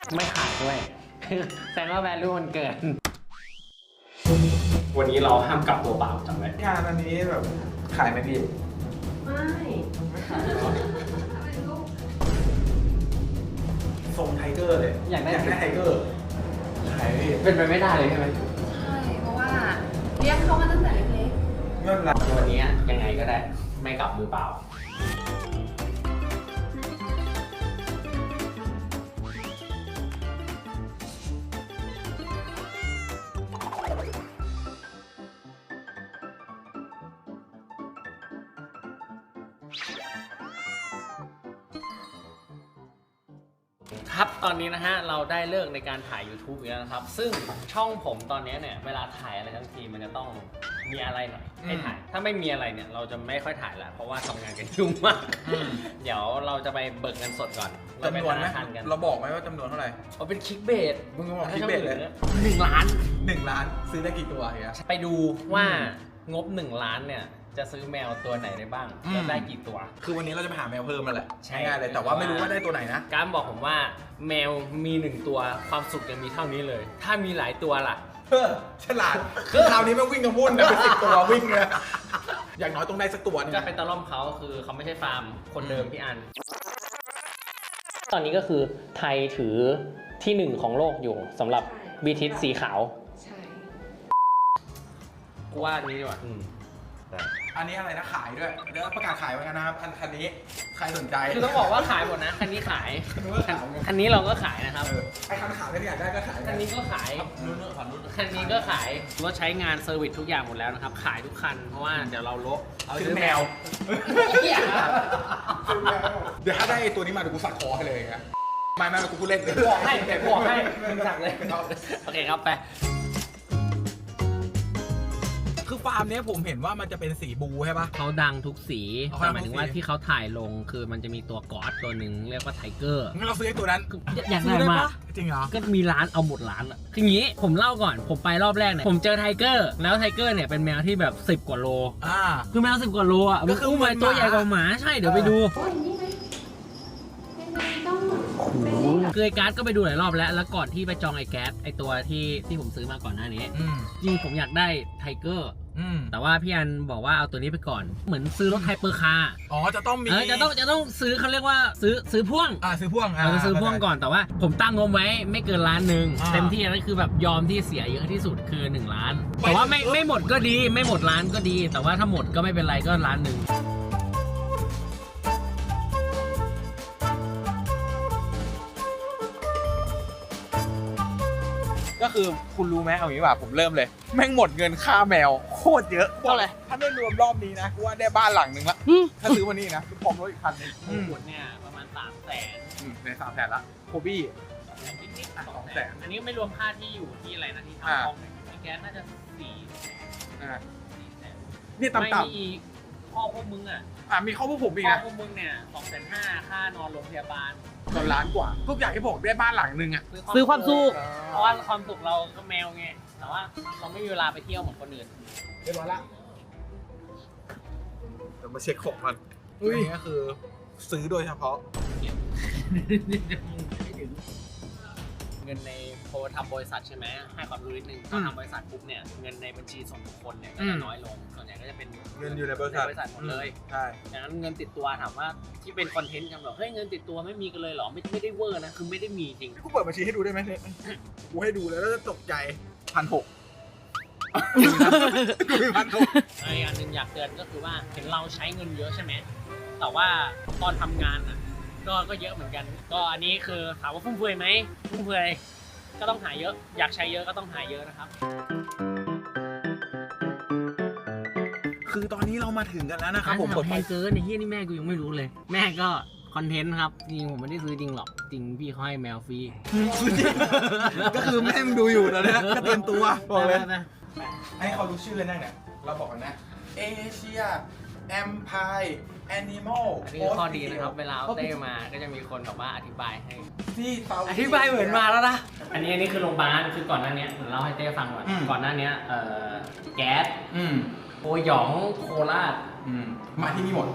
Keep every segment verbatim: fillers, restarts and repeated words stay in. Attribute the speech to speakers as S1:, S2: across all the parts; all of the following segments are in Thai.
S1: ไม่ขายด้วยแสดงว่า value มันเกินวันนี้เราห้ามกลับตัวเปล่าจำไว้
S2: งานอันนี้แบบขายไหมพี่
S3: ไม่
S2: ไม่ขายทรงไทเกอร์เลย
S1: อยากได้
S2: ไทเกอร์ขายพี่
S1: เป็นไปไม่ได้เลยใช่ไหม
S3: ใช่เพราะว่าเลี้ยงเขามาตั้งแต่เล็ก
S2: ๆเงินละ
S1: วันนี้ยังไงก็ได้ไม่กลับมือเปล่าครับตอนนี้นะฮะเราได้เลิกในการถ่าย YouTube แล้วนะครับซึ่งช่องผมตอนนี้เนี่ยเวลาถ่ายอะไรทั้งทีมันจะต้องมีอะไรหน่อยให้ถ่ายถ้าไม่มีอะไรเนี่ยเราจะไม่ค่อยถ่ายแล้วเพราะว่าทำงานกันยุ่งมากเดี๋ยวเราจะไปเบิกเงินสดก่อน
S2: จำนวนไหมเราบอกไหมว่าจำนวนเท่าไหร่
S1: เอาเป็นคลิกเบส
S2: มึงบอกคลิกเบสเลย
S1: หนึ่งล้าน
S2: หนึ่งล้านซื้อได้กี่ตัวเฮีย
S1: ไปดูว่างบหนึ่งล้านเนี่ยจะซื้อแมวตัวไหนได้บ้างจะได้กี่ตัว
S2: คือวันนี้เราจะไปหาแมวเพิ่มมาแหละใช่ง่ายเลยแต่ว่าไม่รู้ว่าได้ตัวไหนนะ
S1: การบอกผมว่าแมวมีหนึ่งตัวความสุขจะมีเท่านี้เลยถ้ามีหลายตัวล่ะ
S2: เออฉลาดคือคราวนี้ไม่วิ่งกับมุ่นนะเป็นสิบตัววิ่งเลยอย่างน้อยต้องได้สักตัวนึง
S1: จะเป็นตะล่อมเขาคือเขาไม่ใช่ฟาร์มคนเดิมพี่อันตอนนี้ก็คือไทยถือที่หนึ่งของโลกอยู่สำหรับบีทิสสีขาวใช่กูว่านี้ดีกว่า
S2: อันนี้อะไรนะขายด้วยเดี๋ยวประกาศขายไว้กันนะครับคันนี้ใครสนใจ
S1: คือต้องบอกว่าขายหมดนะคันนี้ขายคันนี้เราก็ขายนะครับ
S2: ไอ้คันขายไม่อยากได้ก็ขาย
S1: คันนี้ก็ขายคันนี้ก็ขายรถใช้งานเซอร์วิสทุกอย่างหมดแล้วนะครับขายทุกคันเพราะว่าเดี๋ยวเราลบ
S2: เอาซื้อแมวเดี๋ยวถ้าได้ตัวนี้มาเดี๋ยวกูสักคอให้เลยนะไม่ไม่กูพูดเล่นเลย
S1: บอกให้บอกให้มึงสักเลยโอเคครับไป
S2: คือฟาร์มนี้ผมเห็นว่ามันจะเป็นสีบูใช่ปะ
S1: เขาดังทุกสีแต่หมายถึงว่าที่เขาถ่ายลงคือมันจะมีตัวก๊อตตัวหนึ่งเรียกว่าไทเกอร์
S2: งั้นเราซื้อไอ้ตัวนั้น
S1: อยากได้มาก
S2: จริงเหรอ
S1: ก็มีร้านเอาหมดร้านอ่ะคืออย่างนี้ผมเล่าก่อนผมไปรอบแรกเนี่ยผมเจอไทเกอร์แล้วไทเกอร์เนี่ยเป็นแมวที่แบบสิบกว่าโลอ่าคือแมวสิบกว่าโลอ่ะมันอุ้มมาตัวใหญ่กว่าหมาใช่เดี๋ยวไปดูคือไอ้แก๊สก็ไปดูหลายรอบแล้วแล้วก่อนที่ไปจองไอ้แก๊สไอ้ตัวที่ที่ผมซื้อมาก่อนหน้านี้จริงผมอยากได้ไทเกอร์แต่ว่าพี่อันบอกว่าเอาตัวนี้ไปก่อนเหมือนซื้อรถไฮเปอร์คาร์
S2: อ๋อจะต้องมี
S1: จะต้องจะต้องซื้อเขาเรียกว่าซื้อซื้อพ่วง
S2: อ่าซื้อพ่วงอ่
S1: าซื้อพ่วงก่อนแต่ว่าผมตั้งงบไว้ไม่เกินล้านหนึ่งเต็มที่นั่นคือแบบยอมที่เสียเยอะที่สุดคือหนึ่งล้านแต่ว่าไม่ไม่หมดก็ดีไม่หมดล้านก็ดีแต่ว่าถ้าหมดก็ไม่เป็นไรก็ล้านหนึ่ง
S2: ก็คือคุณรู้ไหมเอาอย่างนี้ว่าผมเริ่มเลยแม่งหมดเงินค่าแมวโคตรเยอะ
S1: เท่าไหร่
S2: ถ้าไม่รวมรอบนี้นะกูว่าได้บ้านหลังหนึ่งละถ้าซื้อวันนี้นะพร้อมรถอีกคันนึง
S1: หมดเนี่ยประมาณสามแสน
S2: ในสามแสนละโคบี้
S1: นิดๆสองแสนอันนี้ไม่รวมค่าที่อยู่ที่อะไรนะที่ทำห้องแก๊สน่าจะสี่
S2: นี่ต่ำ
S1: ๆไม่มีข้อพวกมึงอ่ะ
S2: อ่ามีข้อพวกผมอีกนะ
S1: ข้อพวกมึงเนี่ยสองแสนห้าค่านอนโรงพยาบาล
S2: ตอนล้านกว่าทุกอย่างที่ผมได้บ้านหลังนึงอ่ะ
S1: ซื้อความสุขเพราะว่าความสุขเราก็แมวไงแต่ว่าเราไม่มีเวลาไปเที่ยวเหมือนคนอื่น
S2: เรียบร้อยละเดี๋ยวมาเช็คของมันนี่ก็คือซื้อโดยเฉพาะ
S1: เงินในโพทำบริษัทใช่ไหมให้ความรู้นิดนึงพอทำบริษัทปุ๊บเนี่ยเงินในบัญชีส่วนบุคคลเนี่ยก็จะน้อยลงส่วนใหญ่ก็จะเป็น
S2: เงินอยู่ในบริษัท
S1: หมดเลย
S2: ใช่
S1: ดังนั้นเงินติดตัวถามว่าที่เป็นคอนเทนต์กันแบบเฮ้ยเงินติดตัวไม่มีกันเลยหรอไม่ไม่ได้เวอร์นะคือไม่ได้มีจริง
S2: กูเปิดบัญชีให้ดูได้ไหมเนี่ยกูให้ดูแล้วจะตกใจพันหกกูมีพันหก
S1: อีกอันหนึ่งอยากเตือนก็คือว่าเห็นเราใช้เงินเยอะใช่ไหมแต่ว่าตอนทำงานอ่ะก็ก็เยอะเหมือนกันก็อันนี้คือถามว่าฟุ่มเฟือยไหมฟุ่มเฟือยก็ต้องหาเยอะอยากใช้เยอะก็ต้องหาเยอะนะครับ
S2: คือตอนนี้เรามาถึงกันแล้วนะครับผม
S1: กดแพงเกินในที่นี่แม่กูยังไม่รู้เลยแม่ก็คอนเทนต์ครับจริงผมไม่ได้ซื้อจริงหรอกจริงพี่เขาให้แมวฟรี
S2: ก็คือแม่มึงดูอยู่แล้วเนี่ยก็เตรียมตัวบอกเลยให้เขารู้ชื่อนั่นเนี่ยเราบอกกันนะเอเชียแอมไพร์แอนิมอล
S1: อันนี้ข้อดีนะครับเวลาเอาเต้มาก็จะมีคนแบบว่าอธิบายให้
S2: ที่เตา
S1: อธิบายเหมือนมาแล้วนะอันนี้อันนี้คือโรงพยาบาลคือก่อนหน้านี้เล่าให้เต้ฟังก่อนก่อนหน้านี้เอ่อแก๊สโอหยองโคราช
S2: มาที่นี่หมด
S1: ท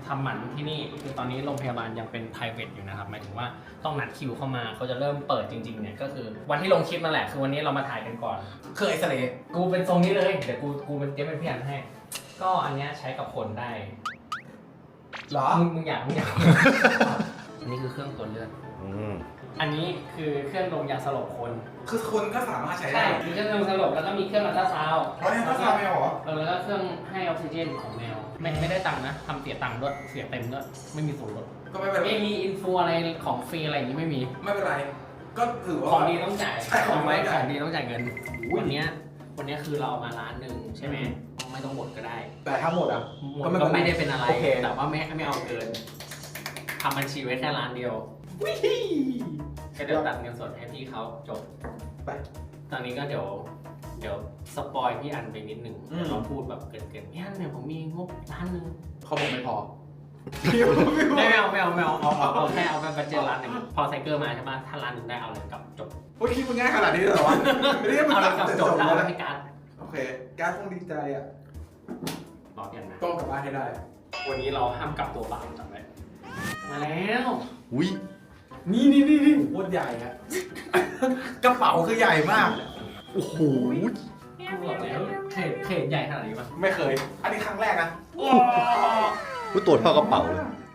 S1: ำหมันที่นี่คือตอนนี้โรงพยาบาลยังเป็น private อยู่นะครับหมายถึงว่าต้องนัดคิวเข้ามาเขาจะเริ่มเปิดจริงๆเนี่ยก็คือวันที่ลงคลิปนั่นแหละคือวันนี้เรามาถ่ายกันก่อน
S2: เคยเอ็กซเรย์
S1: กูเป็นทรงนี้เลยเดี๋ยวกูกูเป็นเจ๊เป็นพี่อันให้ ก็อันเนี้ยใช้กับคนได้
S2: เหรอ
S1: มึงมึงอยากมึงอยาก อันนี้คือเครื่องตรวจเลือด
S4: อืม
S1: อันนี้คือเครื่องดมยาสลบคน
S2: คือคนก็สามารถใช้
S1: ใช่
S2: ได้
S1: มีเครื่องดมสลบแล้วก็มีเครื่องอัลตราซาวด์
S2: เพราะเนี่ยก็ทำไม่หรอ
S1: เออแล้วก็เครื่องให้ออกซิเจนของแมวไม่ไม่ได้ตังค์นะทำเสียตังค์ด้วยเสียเต็มด้วยไม่มีส่วนลด
S2: ก็ไม่เป็นไร
S1: ไม่มีอินฟูอะไรของฟรีอะไรอย่างนี้ไม่มี
S2: ไม่เป็นไร ก็ถือว่า
S1: ของดีต้องจ่าย
S2: ใช่ของดี
S1: ไม่
S2: ต้อง
S1: ข
S2: จ่าย
S1: องดีต้องจ่ายเงิน
S2: อุ้ย
S1: วันเนี้ยวันเนี้ยคือเราเอามาร้านหนึ่งใช่ไหมไม่ต้องหมดก็ได้
S2: แต่ถ้าหมดอ่ะ
S1: หมด
S2: ก็ไม่
S1: ก็
S2: เป็นไร
S1: ไม่ได้เป็นอะไร
S2: โอเค
S1: แต่ว่าไม่ไม่เอาเกินทำบัญชีไว้แค่ร้านเดียวก็เดี๋ยวตัดเงินสดให้พี่เขาจบ
S2: ไป
S1: ตอนนี้ก็เดี๋ยวเดี๋ยวสปอยพี่อันไปนิดนึง
S2: อืม
S1: เดี๋ยวเราพูดแบบเกินๆพี่อันเนี่ยผมมีงบร้านหนึ่ง
S2: เขาบอกไม่พอ
S1: ไม่เอาไม่เอาไม่เอาเอาเอาเอาแค่เอาไปบัจเจตร้านหนึ่งพอไซเคิลมาใช่ปะถ้าร้านหนึ่งได้เอาเลยกลับจบ
S2: โอ้ยคิดมันง่ายขนาดนี้เลยเหรอวะไม่ได้มัน
S1: เอาเลย
S2: ตั
S1: กลั
S2: ด
S1: บ
S2: แต่
S1: จ
S2: จ
S1: บบ แล้ว
S2: แล้ว
S1: เอา
S2: นะ
S1: ให้การด
S2: โอเค การดคงดีใจอ่ะ
S1: บอกกันนะ
S2: ต้องกลับบ้านให้ได้
S1: วันนี้เราห้ามกลับตัวเปล่าจำไว้มาแล้ว
S4: อุ้ย
S2: นี่นี่นี่นี่โคตรใหญ่ฮะ กระเป๋าคือใหญ่มาก
S4: โอ้โห
S1: บอกแล้วเขตเขตใหญ่ขนาดนี้ปะ
S2: ไม่เคย อันนี้ครั้งแรกนะ
S4: พูดตัวเท่ากระเป๋าเลย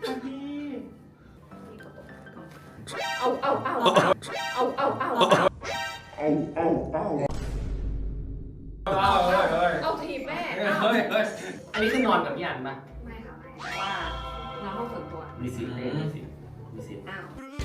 S3: เอาเอาเอาเอาเอาเอาเอา
S2: เอาเลยเลย
S3: เอาถีบแม่
S1: เฮ้ยเฮ้ยอันนี้คือนอนกับพี่อันปะ
S3: ไม่ค่ะไม่เพราะว่าเราห้องส่วนตัว
S1: มีสิทธิ์เลยมีสิทธิ์มีสิทธิ์
S3: อ้าว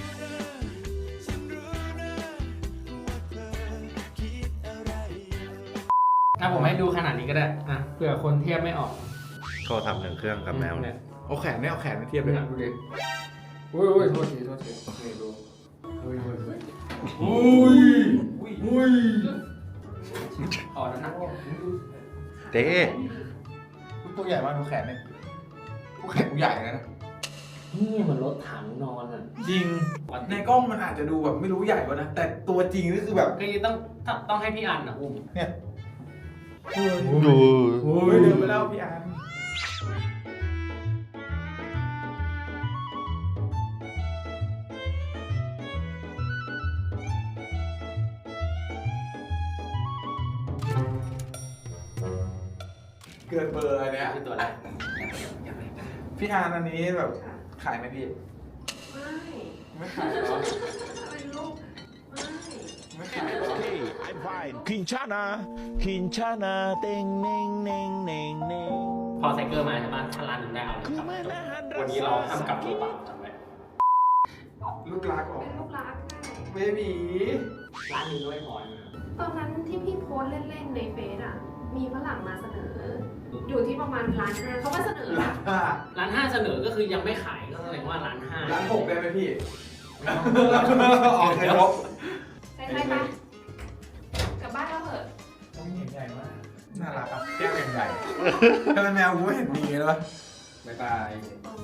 S1: อ่ะผมให้ดูขนาดนี้ก็ได้อ่ะเผื่อคนเทียบไม่ออก
S4: ก็ทำหนึ่งเครื่องกับแมว
S1: เนี่ย
S2: เอาแขนเนี่ยเอาแขนมาเทียบ
S1: เที
S2: เลย ย
S1: บดูดิอุ้ยอุ้ยโทษทีโทษทีนี่ดูอุ้ยอุ้ยอุ้ย
S2: อุ้ยอุ้ย
S1: อ๋อน้ำหนัก
S4: เต้
S2: ตัวใหญ่มากดูแขนเนี่ยกูแขนกูใหญ่นะ
S1: นี่เหมือนรถถังนอนอ่ะ
S2: จริง ในกล้องมันอาจจะดูแบบไม่รู้ใหญ่กว่านะ แต่ตัวจริงนี่คือแบบ
S1: คือต้องต้องต้องให้พี่อันนะอุ้ม
S2: เนี่ย
S4: ดู
S2: โอ้ยเดินไปแล้วพี่อาร์มเกินเบอร์อะไรเนี่ย
S1: คือตัวแรก
S2: พี่อาร์มอันนี้แบบขายไหมพี่
S3: ไม่
S2: ไม่ขายหรอ
S3: อะไรลูกไม่
S2: ไม่ขายหรอ
S5: Hey, I'm fine. Kinshana, Kinshana, ding, ding, ding, ding, ding.
S1: พอไซเคิลมาใช่ปะถ้าร้านหนึ่งได้เอาเลยกลับจบวันนี้เราห้ามกลับตัวเปล่าจำไว้
S2: ลูกรักเหรอ
S3: เป็นลูกรักไง
S2: เบบี
S1: ร้านหนึ่งด้วยพอนะ
S3: ตอนนั้นที่พี่โพสต์เล่นๆในเฟซอ่ะ มีฝรั่งมาเสนอ อยู่ที่ประมาณล้านห้าเขาก็เสนอ
S2: ร้านห้า
S1: ร้านห้าเสนอก็คือยังไม่ขายก็แสดงว่าร้านห้า
S2: ร้านหกได้ไหมพี่ออกเลยครบ
S3: ใช่ไหมปะกลับบ้านเราเถอะ
S2: ต้องเห็นใหญ่มาก น่ารักอ่ะแก้มใหญ่ถ้าเป็นแมวกูไม่เห็นมีเลยวะบ๊ายบาย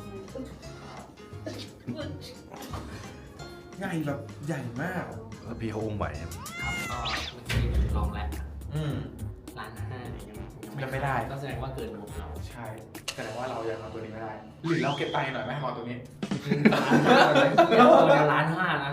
S2: ใหญ่แบบใหญ่มาก
S4: แล้วพี่เขาอุ้มไหวครับ
S1: ครับก็เมื่อกี้ลองแล้ว
S2: อืม
S1: ร้านห้าเนี่ยยัง
S2: ยังไม่ได้
S1: ก็แสดงว่าเกินงบเรา
S2: ใช่แสดงว่าเรายังเอาตัวนี้ไม่ได้ หรือเราเก็บตังค์หน่อยไหมเอาตัวนี้
S1: ร้านห้าเลยตัวเดียวร้านห้านะ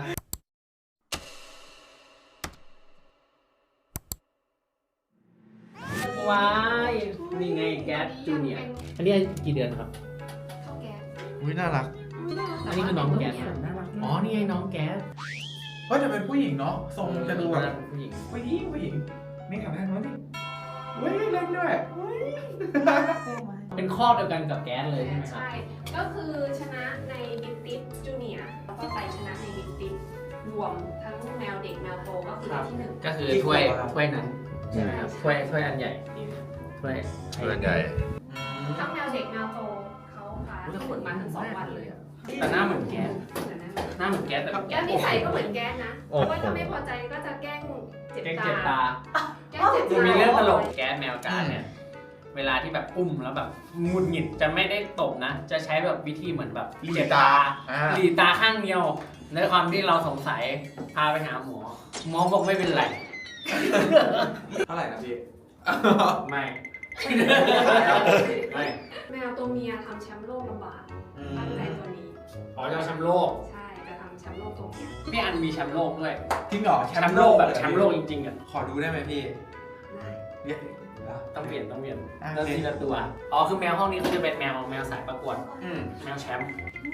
S1: ว้ายนี่ไงแก๊สจูเนียร์อันนี้กี่เดือนครับ
S3: เข้าแก๊ส
S4: อุ้ยน่ารัก
S1: อันนี้คือน้องแก๊สอ๋อ นี่ไงน้องแก๊ส
S2: เฮ้ยแต่เป็นผู้หญิงเนาะทรงจะดูแบบ
S1: ผู้หญิง
S2: ผู้หญิงผู้หญิงนี่ขับได้ไหมนี่เฮ้ยเล่นด้วยเฮ้ย
S1: เป็นข้อเดียวกันกับแก๊สเลยใช่ไหมครับ
S3: ใช่ ก็คือชนะในบิ๊กติ๊จูเนียร์แล้วก็ไปชนะในบิ๊กติ๊รวมทั้งแมวเด็กแมวโตก็คือได้ที่หนึ่ง
S1: ก็คือถ้วยถ้วยนั้นใช่ไหมครับถ้วยถ้วยอันใหญ่นี่ถ้วย
S4: เพื่อนใหญ่
S3: ทั้งแมวเด็กแมวโตเขาพาที่หนึ่งมาถึงสองวันเลย
S1: แต่หน้าเหมือนแก๊ส
S3: เหมือนนั้น
S1: หน้าเหมือนแก๊สแต่
S3: แก้มนิสัยก็เหมือนแก้มนะเพราะว่าถ้าไม่พอใจก็จะแกล้งเจ็บ
S1: แก๊ส
S3: ตา
S1: เจ็บตา
S3: แกล้งเจ็บ
S1: จะ
S3: ตา
S1: มีเรื่องตลกแก๊สแมวการเนี่ย เวลาที่แบบอุ้มแล้วแบบหงุดหงิดจะไม่ได้ตบนะ จะใช้แบบวิธีเหมือนแบบเจ็บตา
S2: อ่า
S1: หลีตาข้างเดียวในความที่เราสงสัยพาไปหาหมอ หมอบอกไม่เป็นไร
S2: เท่าไหร่นะพี่
S1: ไม่ ไม่
S3: แมวตัวเมียทำแชมป์โลกลำบากตั้งใจตัวนี้
S1: อ๋อจะเอาแชมป์โลก
S3: ใช่จะทำแชมป์โลกตัวเนี้ย
S1: พี่อันมีแชมป์โลกด้วย
S2: จริงเหรอ
S1: แชมป์โลกแบบแชมป์โลกจริงๆอ่ะ
S2: ขอดูได้ไหมพี่
S3: ได้
S2: เรียกแล้ว
S1: ต้องเปลี่ยนต้องเปลี่ยน
S2: อ่ะ
S1: แล้วทีละตัว อ๋อคือแมวห้องนี้คือจะเป็นแมวแมวสายประกวด
S2: อืม
S1: แมวแชมป์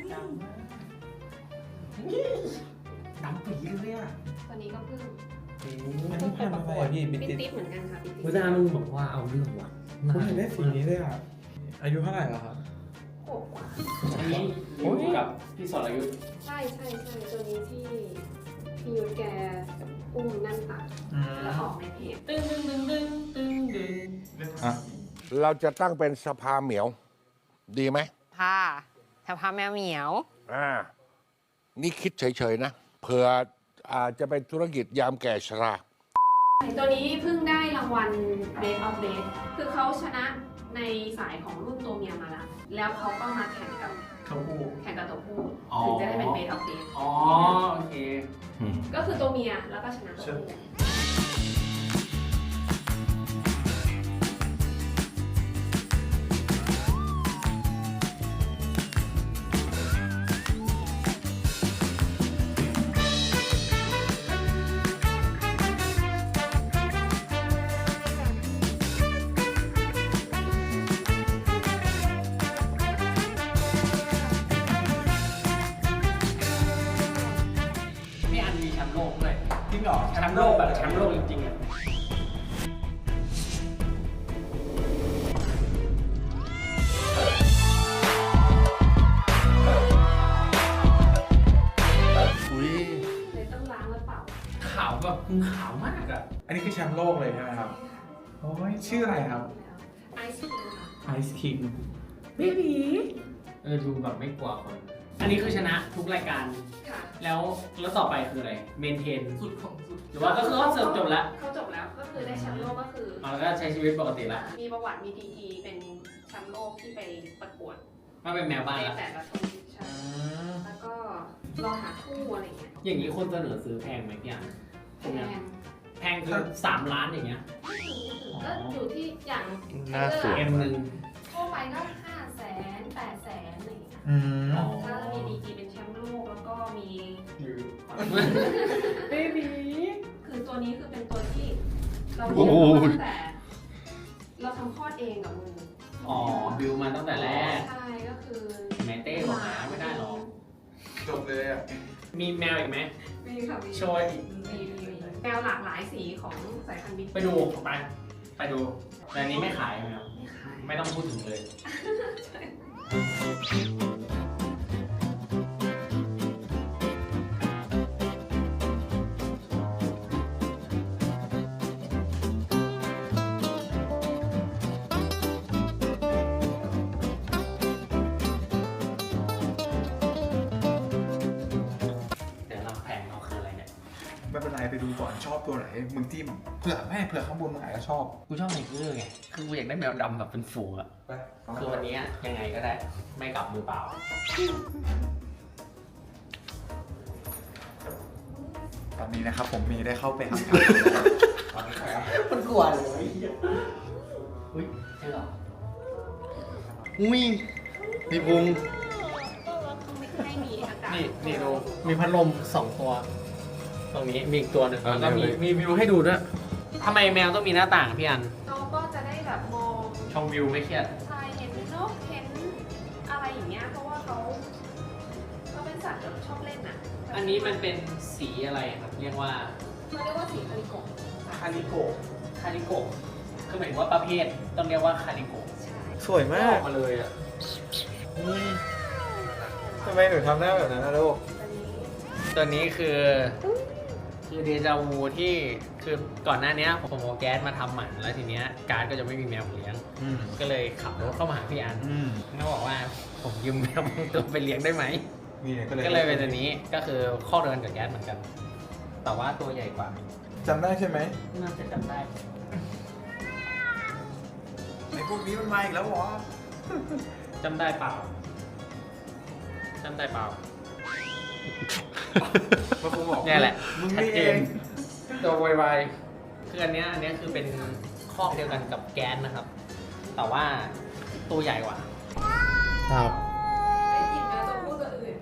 S1: ดำปีเลยอ่ะ
S3: ตัวนี้ก็เพิ่ง
S2: อันนี้พันธุ์อะไรพี่
S3: ปิ
S2: บิ๊ก
S3: ติ๊บเหมือนกันค่ะปิติ๊บ
S1: เวลามึงบอกว่าเอาเรื่องว่ะ
S2: ผมเห็นได้สีนี้เลยอ่ะ อายุเท่าไหร่แล้วครับ
S3: โหกว่า
S1: อันนี้อยู่กับพี่สรยุทธ์
S3: ใช่ใช่ใช่ตัวนี้ที่พี่ยุทธแกอุ้มนั่นตัดแล้วออกในเพจ
S1: ตึ้งตึ้งตึ้งตึ้งตึ้งตึ้ง
S6: เราจะตั้งเป็นสภาเหมียว ดีไหม
S7: ค่ะสภาแมวเหมียว
S6: อ่า นี่คิดเฉยๆนะ เผื่ออาจจะเป็นธุรกิจยามแก่ชรา
S3: ตัวนี้เพิ่งได้รางวัล Best of Best คือเขาชนะในสายของรุ่นตัวเมียมาแล้ว แล้วเขาก็มาแข่งกับ
S1: เขาพูด
S3: แข่งกับตัวผู้
S1: อ๋อ
S3: ถึงจะได้เป็น Best of Best
S1: อ๋อโอเค
S3: ก็คือตัวเมียแล้วก็ชนะตัวผู้
S1: พี่อันมีแชมป์โลกด้วย
S2: จริงเหรอ
S1: แชมป์โลกแบบแชมป์โลกจริงๆอ่ะ
S4: อุ้ย
S3: เลยต้องล้างแล้วเปล่า
S1: ขาวแบบขาวมากอ่ะ
S2: อันนี้คือแชมป์โลกเลยใช่ไหมครับ โอ้ยชื่ออะไรครับ
S3: ไอซ์ครีมค่ะ
S2: ไอซ์คิง
S1: เออดูแบบไม่กลัวคน อันนี้คือชนะทุกรายการ
S3: ค่ะ
S1: แล้วแล้วต่อไปคืออะไร เมนเทน
S2: สุดของสุด
S1: หรือว่าก็คือเขาเสริมจบแล้ว
S3: เขาจบแล้วก็คือได้แชมป์โลกก็คือ
S1: อ๋อแล้วก็ใช้ชีวิตปกติละ
S3: มีประวัติมีดีกรีเป็นแชมป์โลกที่ไปประกวด
S1: มาเป็นแมวบ้าน
S3: ใน
S1: ละ
S3: แต่ละทวีปใช่แล้วก็รอหาคู่อะไรเงี้ย
S1: อย่างนี้คนเสนอซื้อแพงไหมพี่อัน
S3: แพง
S1: แพงคือสามล้านอย่างเงี้ย
S3: ไม่ถึงไม่ถึงก็อยู่ที่อย่าง
S4: หน้าสวย
S1: เอ็มหนึ่ง
S3: ทั่วไปก็ห้าแสนแปดแสนอะไรเงี้ย
S2: อืม
S1: อ๋อ
S3: ถ้ามีดีกรีเป็นแชมป์โลกแล้วก็มี
S1: เบบี
S3: คือตัวนี้คือเป็นตัวที่เรา
S4: โอ้
S3: เลี้ยง
S4: โห
S3: มาตั้งแต่ เราทำคลอดเองกับมือ
S1: อ๋อบิวมาตั้งแต่แรก
S3: ใช่ก็คือ
S1: แม่เต้บอกหาไม่ได้หรอก
S2: จบเลยอ่ะ
S1: มีแมวอีกไหม
S3: มีค่ะมี
S1: โชว์อีก
S3: มีมีมีแมวหลากหลายสีของสายพันธุ์บิ๊ก
S1: ไปดูไป ไปดู แต่อันนี้ไม่ขายแมว
S3: ไม่ขาย
S1: ไม่ต้องพูดถึงเลย
S3: ใช่
S1: เดี๋ยวเราแผงเราคืออะไรเนี่ย
S2: ไม่เป็นไรไปดูก่อนชอบตัวไหนมึงจิ้มเผื่อไม่เผื่อข้างบนมึงอาจจะชอบ
S1: กูชอบไนเกอร์ไง คือกูอยากได้แมวดำแบบเป็นฝูงอะ
S2: ไป
S1: คือวันนี้ยังไงก็ได้ ไม่กลับมือเปล่า
S2: ตอนนี้นะครับผมมีได้เข้าไปหา
S1: มันกลัวเลยอุ้ยใช่เหรอ
S4: อุ้ยมีพุง
S3: ให้มีอากาศ
S1: นี่นี่ดู มีพัดลมสองตัว ตรงนี้มีอีกตัวหนึ่ง
S4: อ่า
S1: แล้วก็มี
S4: เนี่ย
S1: มีวิวให้ดูด้วยทำไมแมวต้องมีหน้าต่างพี่อัน
S3: เราก็จะได้แบบมอง
S1: ชมวิวไม่เครียด
S3: ชายเห็นนกเห็นอะไรอย่างเงี้ยเพราะว่าเขาเขาเป็นสัตว์แบบชอบเล่นอ่ะ
S1: อันนี้มันเป็นสีอะไรครับ เรียกว่า
S3: เขาเรียกว่าสีคาริโกะ
S1: คาริโกะคาริโกะคือหมายถึงว่าประเภทต้องเรียกว่าคาริโกะ
S3: ใช่
S2: สวย
S1: อ
S2: มา
S1: อก กมาเลยอ่ะ
S2: ทำไมหนูทำได้แบบนั้นนะลูก
S3: ตัวนี้
S1: ตัวนี้คือคือเดจาวูที่คือก่อนหน้านี้ผมเอาแก๊สมาทำหมันแล้วทีเนี้ยการ์ดก็จะไม่มีแมวเลี้ยง
S2: อืม
S1: ก็เลยขับรถเข้ามาหาพี่อัน
S2: อืม
S1: เขาบอกว่าผมยืมแมวบางตัวไปเลี้ยงได้ไหม
S2: นี่ก็เลย
S1: ก็เลยเป็นตัวนี้ก็คือข้อเดินกับแก๊สเหมือนกัน แต่ว่าตัวใหญ่กว่า
S2: จำได้ใช่ไหม
S1: น่าจะจำได้
S2: ไอ้พวกนี้มันมาอีกแล้วเหรอ
S1: จำได้เปล่าจำได้เปล่า
S2: มาคงบอก
S1: เนี่ยแหละ
S2: มึง
S1: ชัด
S2: นี่
S1: เจ
S2: เอน ง
S1: ตัวไวๆคืออันเนี้ยอันเนี้ยคือเป็นข้อกเดียวกันกับแก๊สนะครับ แต่ว่าตัวใหญ่กว่า
S2: ครับ
S3: ไอ้ที่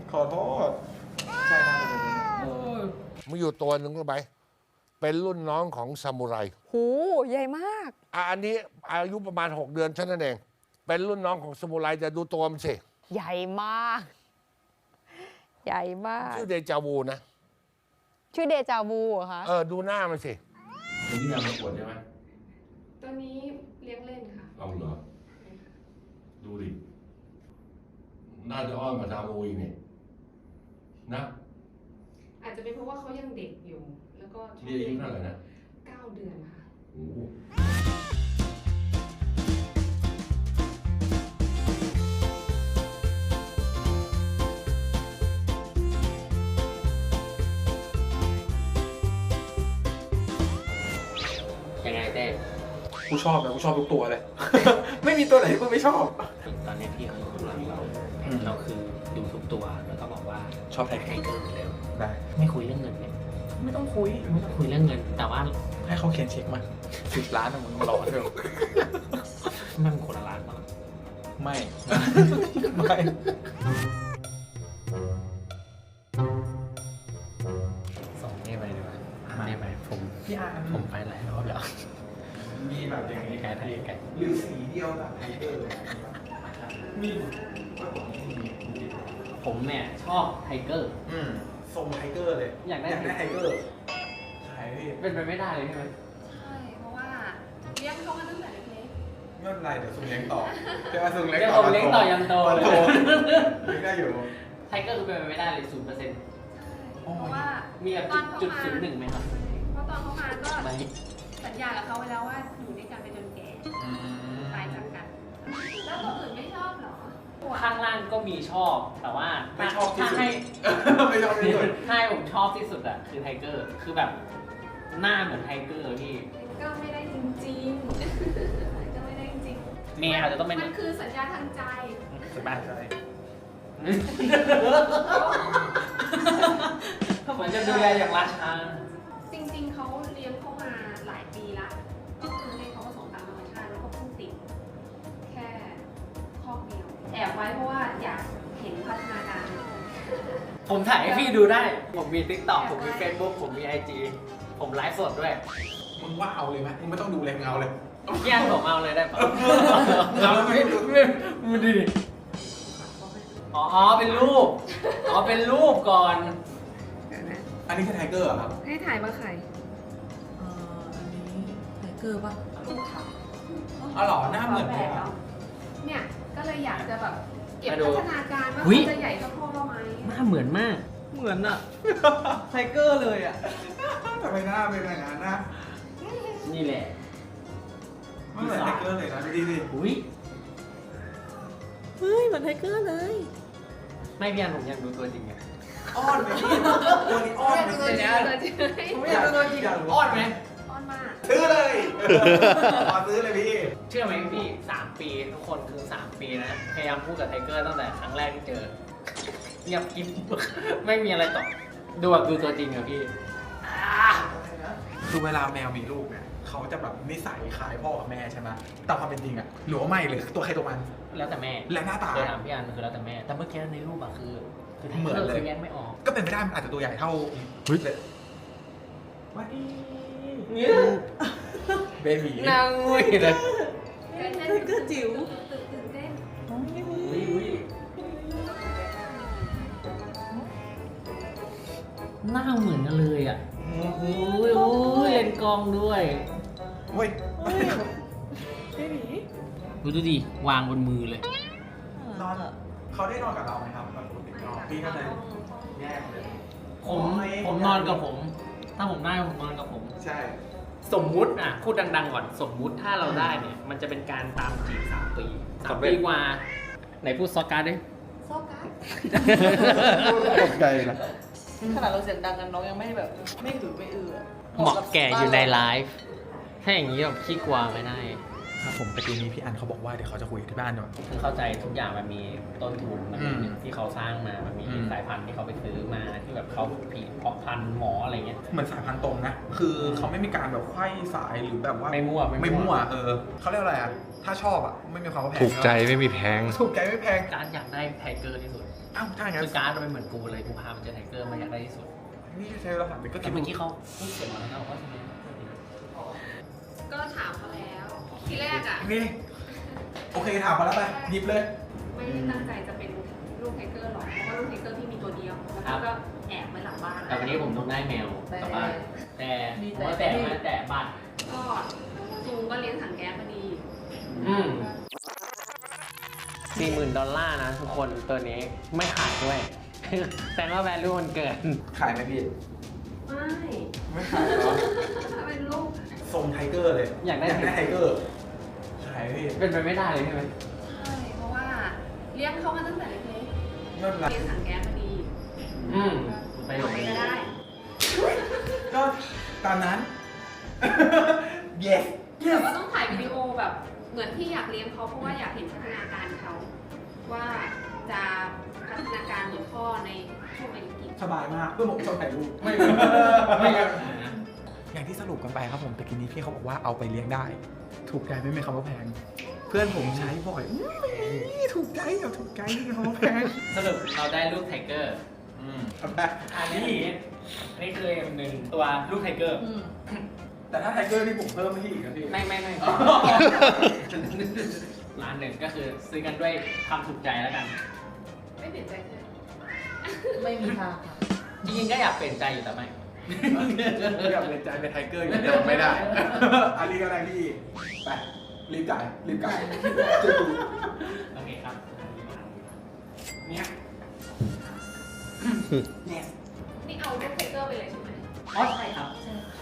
S2: ขอโทษใช่น่าจะเป็น
S6: มีอยู่ตัวหนึ่งรู้ไหมเป็นรุ่นน้องของซามูไร
S7: หูใหญ่มาก
S6: อ่ะอันนี้อายุประมาณ หก เดือนเท่านั้นเอง เป็นรุ่นน้องของซามูไรจะดูตัวมันสิ
S7: ใหญ่มาก ใหญ่มาก
S6: ชื่อเดจาวูนะ
S7: ชื่อเดจาวูเหรอคะ
S6: เออ ดูหน้ามันสิตัวนี้เอามาปวดใช่ไหม
S3: ตัวนี้เลี้ยงเล่นค่ะ
S6: เอาเหรอ ดูดิ น่าจะอ้อนมาซามูอีกนี่นะ
S3: อาจจะเป็นเพราะว่าเขายังเด็กอยู่ แล้วก็ชอบ
S6: นี่อายุเท่าไหร่นะ
S3: เก้าเดือนค่ะ
S6: โอ้โห
S1: ยังไงเต้
S2: กูชอบนะกูชอบทุกตัวเลย ไม่มีตัวไหนที่กูไม่ชอบ
S1: ตอนนี้พี่เขาอยู่ข้างหลังเราเราคือดูทุกตัวแล้วก็บอกว่า
S2: ชอบไท
S1: ไท
S2: เกอร์
S1: เกอร์เร็ว
S2: ได้
S1: ไม่คุยเรื่องเงินเนี่ย
S2: ไม่ต้องคุย
S1: ไม่ต้องคุยเรื่องเงิน แต่ว่า
S2: ให้เขาเขียนเช็คมาสิบล้านอะมึงรอเถอะ
S1: มันคนละร้านมั้ง
S2: ไม่ ไม่
S1: ส่งนี่ไปดีกว่านี่ไปผม
S2: พี่อาร์
S1: ผมไปหลายรอบแล้ว
S2: มีแบบอย่างนี้
S1: ไกลไทยไกล
S2: หรือสีเดียวแบบไทเกอร์เลยมี
S1: ผมเนี่ยชอบไทเกอร์
S2: อืมทรงไทเกอร์เลย
S1: อยากได้
S2: ไทเกอร์ใช่พี่
S1: เป็นไปไม่ได้เลยใช่ไหม
S3: ใช่ เพราะว่าเลี้ยงเขามาตั้งแต่เล็ก
S2: ไม่เป็นไรเดี๋ยวซุงเลี้ยงต่อเดี๋ยวซุงเลี้ยง
S1: เดี๋ยว
S2: ต่อ
S1: ผมเลี้ยงต่อยังโตเลย
S2: โตเลี้ยงได้อยู่
S1: ไทเกอร์คือเป็นไปไม่ได้เลยศูนย์เปอร์เซ็นต์
S3: ๆ เพราะว่า
S1: มีแบบ
S3: ตอนเขา
S1: จุด
S3: มา
S1: ศูนย์หนึ่งไหมครับ
S3: เพราะตอนเขามาก็
S1: ไม่
S3: สัญญากับเขาไว้แล้วว่าอยู่ด้วยกันไปจนแก่ ตายจากกัน แล้วตัวอื่นไม่ชอบเหรอ
S1: ข้างล่างก็มีชอบ แต่ว่า
S2: ไม่ชอบที่สุด
S1: ถ้าให้
S2: ไม่ชอบที่สุด
S1: ถ้าให้ผมชอบที่สุดอะคือไทเกอร์ คือแบบหน้าเหมือนไทเกอร์พี่
S3: ก็ไม่ได้จริงๆ ก็ไม่ได้จริงๆ
S1: เมย์อาจจะต้องเป็น
S3: มันคือสัญญาทางใจ
S2: สบายใจ
S1: ผมจะดูแลอย่างราชา
S3: จริงๆ เขาเลี้ยงเข้ามาหลายปีละ ก็คือให้เขาผสมตามธรรมชาติแล้วก็เพิ่งติดแค่คอกเดียว แอบไว้เพราะว่าอยากเห็นพัฒนาการ
S1: ผมถ่ายให้พี่ดูได้ ผมมี ติ๊กต็อก ผมมี เฟซบุ๊ก ผมมี ไอ จี ผมไลฟ์สดด้วย
S2: มึงว่าเอาเลยไหมมึงไม่ต้องดูเลยมึงเอาเลย
S1: แย่งผมเอาเลยได้ปะ
S2: เอาไม่ดู
S1: มึงดิอ๋อ เป็นรูป อ๋อ เป็นรูปก่อน
S2: อันนี้คือไทเกอร์เหรอครับ
S3: ให้ถ่ายมาใคร
S8: เอ่ออันนี้ไทเกอร์ป่ะ
S3: ลูกค่ะ
S2: อ๋อเหรอหน้าเหมือน
S3: แบ
S2: เลย
S3: บ
S2: อะ
S3: เนี่ย ก็เลยอยากจะแบบเก็บ
S1: มาดู
S3: พัฒนาการว่า
S1: อุ๊ย
S3: เขาจะใหญ่เท่าพ่อเราไหม
S1: หน้าเหมือนมาก
S8: เหมือนอะไทเกอร์เลยอะ
S2: ทำไมหน้าเป็นอย่างนั้นนะ
S1: นี่แหละ
S2: ไม่เหมือนไทเกอร์เลยนะดูดิดิ
S1: อุ้ย
S8: เฮ้ยเหมือนไทเกอร์เลย
S1: ไม่พี่อันผมอยากดูตัวจริงไง
S2: อ้อนไหมพี่ตัวนี้อ้อนไหม
S3: ตัวจริงตัวจริง
S2: ผมไม่อยากดูตัวจริง
S1: อ้อนไหม
S3: อ้อนมาก
S2: ซื้อเลยขอซื้อเลยพี่
S1: เชื่อไหมพี่สามปีทุกคนคือสามปีนะ พยายามพูดกับไทเกอร์ตั้งแต่ครั้งแรกที่เจอ เงียบกิ๊บ ไม่มีอะไรต่อ ดูแบบดูตัวจริงอะพี่อ่า
S2: คือเวลาแมวมีลูกเนี่ยเขาจะแบบนิสัยคล้ายพ่อกับแม่ใช่ไหมแต่ความเป็นจริงอะหรือว่าไม่เลยตัวใครตัวมัน
S1: แล้วแต่แม่
S2: และหน้าตา
S1: เคยถามพี่อันคือแล้วแต่แม่ แต่เมื่อกี้ในรูปอะคือคือไท
S2: เหมื
S1: เก
S2: อ
S1: อน ร์
S2: เลย
S1: คือแยกไม่ออก
S2: ก็เป็นไปได้มันอาจจะตัวใหญ่เท่าเฮ้ยวัดดี
S1: เนี่ย
S2: เบบี
S1: นางงุยเลย
S3: เต้นเต้น
S8: ไทเกอร์จิ๋ว
S3: ตื่นตื่นเต้น
S1: อุ้ยอุ้ยหน้าเหมือนกันเลยอ่ะโอ้ยโอ้ยเล่นกล้องด้วย
S2: เฮ้ย
S8: เบบี
S1: ดูดูดิ วางบนมือเลย
S2: นอนเขาได้นอนกับเราไหมครับแบบปกตินอนพี่ก็เลยแยกเลย
S1: ผมผมนอนกับผม ถ้าผมได้ผมนอนกับผม
S2: ใช่
S1: สมมุติอ่ะพูดดังๆก่อน สมมุติถ้าเราได้เนี่ย มันจะเป็นการตามจีบสามปีสามปีกว่า ไหนพูดซอการ์ดดิ
S3: โซกัส
S4: ตกใจนะ
S8: ขนาดเราเสียงดังกันน้องยังไม่แบบไม่หือไม่อืออะ
S1: เหมาะแก่อยู่ในไลฟ์ถ้าอย่างนี้แบบขี้กลัวไม่ได้
S2: ครับผมประตูนี้พี่อันเขาบอกว่าเดี๋ยวเขาจะคุยที่บ้านด้วย
S1: คือเข้าใจทุกอย่างมันมีต้นทุนมันมี
S2: อืม
S1: ที่เขาสร้างมา มันมี
S2: อืม
S1: สายพันธุ์ที่เขาไปซื้อมาที่แบบเขาผีเพาะพันธุ์หมออะไรเงี้ย
S2: เหมือนสายพันธุ์ตรงนะ คือเขาไม่มีการแบบไขว้สายหรือแบบว่า
S1: ไม่มั่ว
S2: ไม่มั่วเออเขาเรียกอะไรอ่ะถ้าชอบอ่ะไม่มีความว่าแพง
S4: ถูกใจไม่มีแพง
S2: ถูกใจไม่แพง
S1: การดอยากได้ไทเกอร์ที่สุด
S2: อ้าวถ้าอย่างนั้น
S1: คือการดมันเป็นเหมือนกูเลยกูพามันเจอไทเกอร์มาอยากได้ที่สุด
S2: นี่ใช้เวลาถามไปก็
S1: แต่
S2: คิด
S1: เมื่อกี้เขาพูดเสียงมาแล้วนะว่าทำไม
S3: ก็ถามเขาแล้ว ทีแรกอ่ะ
S2: นี่โอเคถามมาแล้วไปหยิบเลย
S3: ไม่ได้ตั้งใจจะเป็นลูกไทเกอร์หรอก เพราะว่าลูกไทเกอร์ที่มีตัวเดียว แล้วก็แอบไว้หลังบ้าน
S1: แต่วันนี้ผมต้องได้แมวกลับบ้านแต่ผมว่าแต่มาแต่บ้าน
S3: ก็จูงก็เลี้ยงถังแก๊สพอดี
S1: อืมสี่หมื่นดอลลาร์นะทุกคนตัวนี้ไม่ขายด้วย แต่ว่าแวลูมันเกิน
S2: ขายไหมพี่
S3: ไม่
S2: ไม่ขายหรอ
S3: ถ้าเป็นลูก
S2: ทรงไทเกอร์เลย
S1: อยากได้
S2: ไทเกอร์ขายพี่
S1: เป็นไปไม่ได้เลยใช่ไหม
S3: ใช่ เพราะว่าเลี้ยงเขามาตั้งแต่เล็ก
S2: ไม่
S3: ๆ
S2: เป็นไร
S3: เลี้ยงถังแก๊สพอดี
S1: อืมไปหล
S3: ไป
S1: ง
S3: ก็ได้
S2: ก็ตามนั้น yes
S3: แต่ว่าต้องถ่ายวิดีโอแบบเหมือนที่อยากเลี้ยงเขาเพราะว่าอยากเห็นพัฒนาการเขาว่าจะพัฒนาการเหมือนพ่อในช่วงอายุกี่
S2: สบายมากเพื่อนผมชอบถ่ายรูป
S1: ไม่ไม่ไม่
S2: อย่างที่สรุปกันไปครับผมตะกี้นี้พี่เขาบอกว่าเอาไปเลี้ยงได้ ถูกใจไม่มีคำว่าแพง เพื่อนผมใช้บ่อยอื้อไม่ถูกใจเอาถูกใจไม่มีคำว่าแพง
S1: สรุปเราได้ลูกไทเกอร์
S2: อืมทำไม
S1: อันนี้อันนี้คือหนึ่งตัวลูกไทเกอร์
S8: อืม
S2: แต่ถ้าไทเกอร์นี่ผมเพิ่มให้พี่อีกนะพี่
S1: ไม่ไม่ไม่ร้านหนึ่งก็คือซื้อกันด้วยความถูกใจแล้วกัน
S3: ไม่เปลี่ยนใจเลย
S8: ไม่มีทางค่ะ
S1: จริงๆก็อยากเปลี่ยนใจอยู่แต่ไม่
S2: อยากเป็นใจเป็นไทเกอร์อย่างเดียวไม่ได้ อันนี้ก็ได้พี่ ไป รีบจ่าย รีบจ่ายจะดู
S1: โอเคครับ
S2: เนี่ย yes
S3: นี่เอาลูกไทเกอร์ไปเลยใช่ไหม
S1: อ๋อใช่ครับ ใช่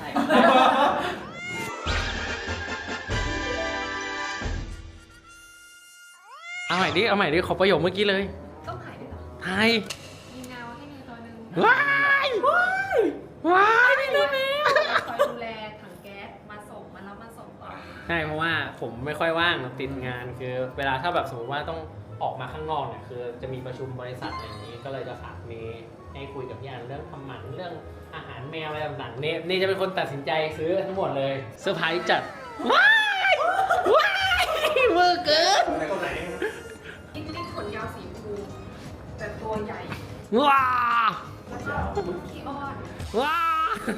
S1: เอาใหม่ดิ เอาใหม่ดิ ขอประโยคเมื่อกี้เลย
S3: ต้องถ่ายด้วยเหรอ
S1: ไทย
S3: มีแมวให้ในตัวหนึ่ง
S1: ว้ายว้ายไม่ได้แมว
S3: คอยดูแลถังแก๊สมาส่งมาแล้วมาส่งต่อ
S1: ใช่เพราะว่าผมไม่ค่อยว่างติดงานคือเวลาถ้าแบบสมมติว่าต้องออกมาข้างนอกเนี่ยคือจะมีประชุมบริษัทอะไรอย่างนี้ก็เลยจะฝากเมย์ให้คุยกับพี่อันเรื่องทำหมันเรื่องอาหารแมวอะไรต่างๆเนเน่จะเป็นคนตัดสินใจซื้อทั้งหมดเลยเซอร์ไพรส์จัดว้ายว้ายเวอร์เกิน
S2: ไหนก็ไหน
S3: นี่นี่ขนยาวสีชมพูแต่ตัวใหญ่
S1: ว้า
S3: แล้วก็ขี้อ้อน
S1: ว้า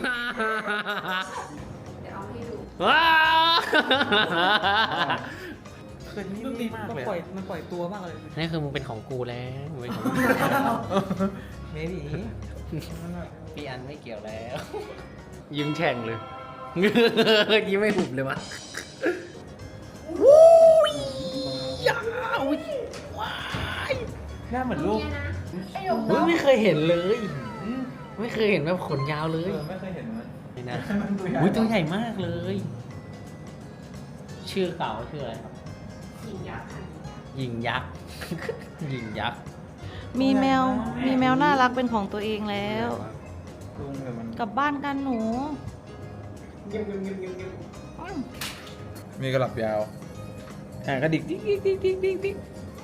S3: เดี๋ยวเอาให้ดู
S1: ว้า
S2: เคยนี่
S8: มัน
S2: นี่มากเลย
S8: ปล่อยมันปล่อยตัวมากเลย
S1: นี่คือมึงเป็นของกูแล้วมึงเป็นของกู
S8: เมบี
S1: พี่อันไม่เกี่ยวแล้ว ยิ้มแฉ่งเลย ยิ้มไม่หุบเลยวะวู้ยยาวว้าย
S2: หน้าเหมือนลูก
S3: เนี่ยนะ
S1: เฮ้ยไม่เคยเห็นเลย ไม่เคยเห็นแบบขนยาวเลย
S2: เออไม่เคยเห็นมัน
S1: นี่นะ
S2: มันตัวใหญ่
S1: อุ้ยตัวใหญ่มากเลย ชื่อเขาชื่ออะไรครับ
S3: หญิงยักษ์ค่ะ
S1: ยิงยักษ์ ยิงยักษ์
S7: มีแมว มีแมวน่ารักเป็นของตัวเองแล้ว
S2: ลุงแต่มัน
S7: กลับบ้านกันหนู
S2: มีกระหลับยาวแขนกระดิกดิ๊กดิ๊กดิ๊กดิ๊กดิ๊กดิ๊ก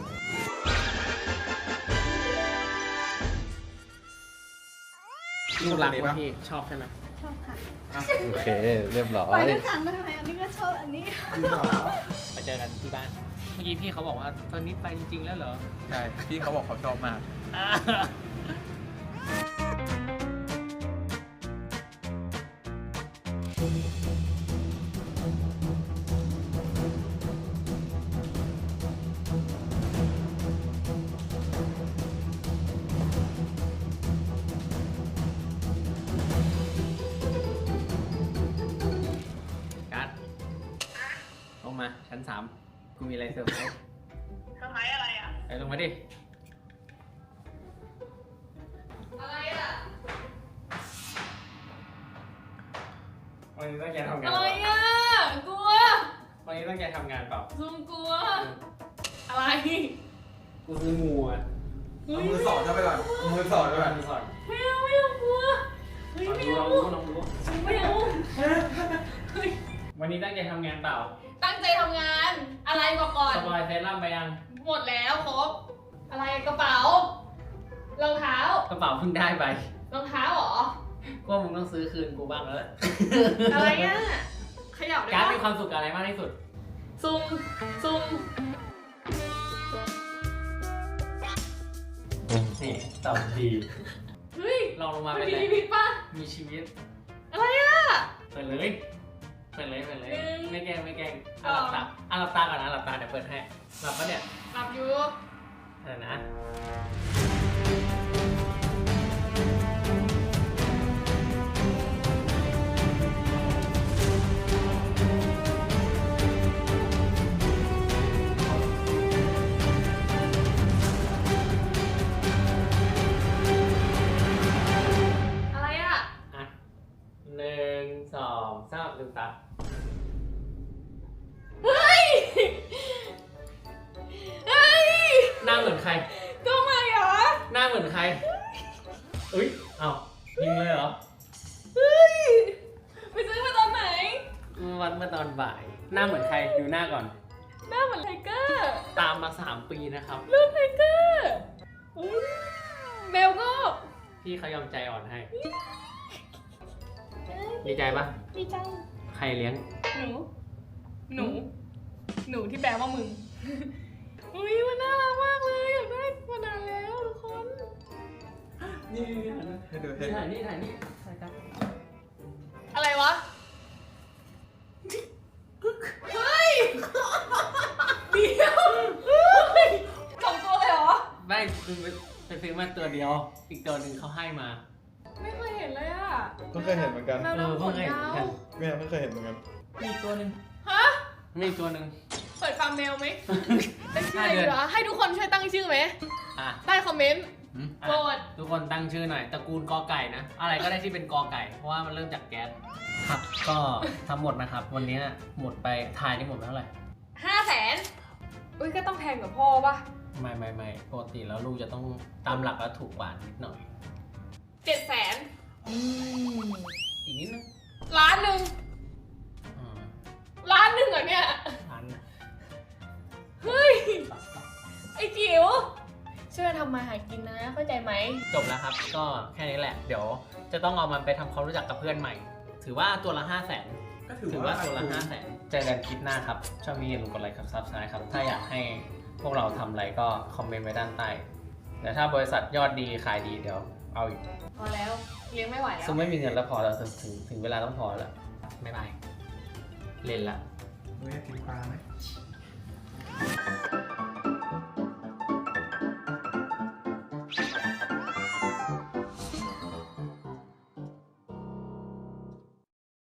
S1: ลูกรักวะพี่ชอบใช่ไหม
S3: ชอบค่ะ
S4: โอเค เรียบร้อ
S3: ปล่อย
S4: ย
S3: ทุกครั้งไปทำไมอันนี้ก็ชอบอันนี้
S1: ไปเจอกันที่บ้าน เมื่อกี้พี่เขาบอกว่าตอนนี้ไปจริงๆแล้วเหรอ
S2: ใช่พี่เขาบอกเขาชอบมาก
S1: การ์ดลงมาชั้นสามกูมีอะไรเซอร์ไพรส์
S3: เซอร์ไพรส์อะไรอ่ะ
S1: ไปลงมาดิ
S3: อะไรอ่ะ
S1: วันนี้ตั้งใจทำงาน
S3: อะไร
S1: เปล่า
S3: อ่ะ กลัว
S1: วันนี้ตั้งใจทำงานเปล่า
S3: ซุมกลัว อะไร
S1: กูซื้องูอ่ะ
S2: เอามือสอดเข้าไปก่อนเอามือสอดเข้าไป
S1: มือสอด
S3: ไม่เอาไม่เอากลัว เฮ้ย
S1: ลอง
S3: ไม่
S1: ดู
S3: เอา
S1: ลองดูลองดู
S3: ซุมไม่เอาเฮ้ย
S1: วันนี้ตั้งใจทำงานเปล่า
S3: ตั้งใจทำงาน อะไรบอกก่อน
S1: สปอยเซรั่มไปยัง
S3: หมดแล้วครบ อะไรกระเป๋ารองเท้า
S1: กระเป๋าเพิ่งได้ไป
S3: รองเท้าเหรอ
S1: ก็มึงต้องซื้อคืนกูบ้างแล้วแหละ
S3: อะไรอ่ะขยับได้
S1: การ์ด
S3: ปะ
S1: มีความสุขกับอะไรมากที่สุด
S3: ซุ่มซุ่ม
S1: นี่ตอบดี
S3: เฮ้ย
S1: ลองลงมา
S3: มั
S1: เป็น น
S3: มี
S1: ไร
S3: ชีวิตป่ะ
S1: มีชีวิต
S3: อะไรอ่ะ
S1: เปิดเลยเปิดเลยเปิดเลย
S3: หนึ่ง
S1: ไม่แกล้งไม่แกล้ง
S3: ส
S1: อ่ะ
S3: อง
S1: หลับตาอ่ะหลับตาก่อนนะหลับตาเดี๋ยวเปิดให้หลับปะเนี่ย
S3: หลับอยู่
S1: อะไรนะ
S3: อะไรอ่ะ
S1: อ่ะหนึ่งสองสามลืมตา
S3: เฮ้ย เฮ้ย
S1: หน้าเหมือนใคร
S3: ก็มาเหรอ
S1: หน้าเหมือนใครอุ้ยเอ้ายิงเลยเหรอ
S3: เฮ้ย ไปซื้อมาตอนไหน
S1: วันเมื่อตอนบ่าย หน้าเหมือนใครดูหน้าก่อน
S3: หน้าเหมือนไทเกอร์
S1: ตามมาสามปีนะครับ
S3: รูปไทเกอร์เฮ้ยเบลก็
S1: พี่เขายอมใจอ่อนให้ ดีใจปะ
S3: ดีจัง
S1: ใครเลี้ยง
S3: หนู หนู หนูที่แปลว่ามึง อุ้ยมันน่ารักมากเลยอยากได้มานานแล้วทุกคน
S1: นี่
S2: ให้ดูให้
S1: นี่
S2: ดู
S1: ถ่ายนี่ถ่ายนี่ถ่ายครับ
S3: อะไรวะ เฮ้ย เดียวเฮ้ยสองตัวเลยเหรอ
S1: ได้คือไปซื้อมาตัวเดียว อีกตัวหนึ่งเขาให้มา
S3: ไม่เคยเห็นเลยอ่ะ
S2: เพิ่งเคยเห็นเหมือนกัน
S3: แมว
S1: เออ
S3: ดำข
S1: เพิ่ง
S3: น
S1: เห็น
S3: ยา
S1: เหมือนกั
S3: วน
S2: แม่เพิ่งเคยเห็นเหมือนกัน
S8: มีอีกตัวหนึ่ง
S3: ฮะ
S1: มีอีกตัวหนึ่ง
S3: เปิดฟาร์มแมวไหมตั้งชื่ออะไร
S1: ห้าเดื
S3: ดี
S1: อน
S3: วะให้ทุกคนช่วยตั้งชื่อไหม
S1: อ่ะ
S3: ได้คอมเมนต์
S1: อืม
S3: โปร
S1: อ่ะ
S3: ด
S1: ทุกคนตั้งชื่อหน่อย ตระกูลกอไก่นะ อะไรก็ได้ที่เป็นกอไก่ เพราะว่ามันเริ่มจากแก๊ส ครับ ก็ทั้งหมดนะครับ วันนี้หมดไปทายนี่หมดไปเท่าไหร่
S3: ห้าแสนอุ้ยก็ต้องแพงกว่าพ่อป่ะ
S1: ไม่ไม่ไม่ปกติแล้วลูกจะต้องตามหลักแล้วถูกกว่านิดหน่อย
S3: เจ็ดแสน
S1: อีกนิดนึง
S3: ล้านหนึ่ง
S1: อ่า
S3: ล้านหนึ่งเหรอเนี่ย
S1: พัน
S3: เฮ้ย ไอ้จิ๋วช่วยทำมาหากินนะ เข้าใจไหม
S1: จบแล้วครับ ก็แค่นี้แหละ เดี๋ยวจะต้องเอามันไปทำความรู้จักกับเพื่อนใหม่ ถือว่าตัวละห้าแสน
S2: ก็ถือ
S1: ถือ
S2: ว่า
S1: ว่าตัวละห้าแสนเจอกันคลิปหน้าครับ ชอบมีอย่าลืมกดไลค์กับซับสไครต์ครับ ถ้าอยากให้พวกเราทำอะไรก็คอมเมนต์ไว้ด้านใต้เดี๋ยวถ้าบริษัทยอดดีขายดีเดี๋ยวเอาอีก
S3: พอแล้ว เลี้ยงไม่ไหวแล้ว
S1: ซึ่งไม่มีเงินแล้วพอแล้วถึงถึงถึงเวลาต้องพอแล้วบ๊ายบาย เล่นละ
S2: เฮ้ยกินปลาไหม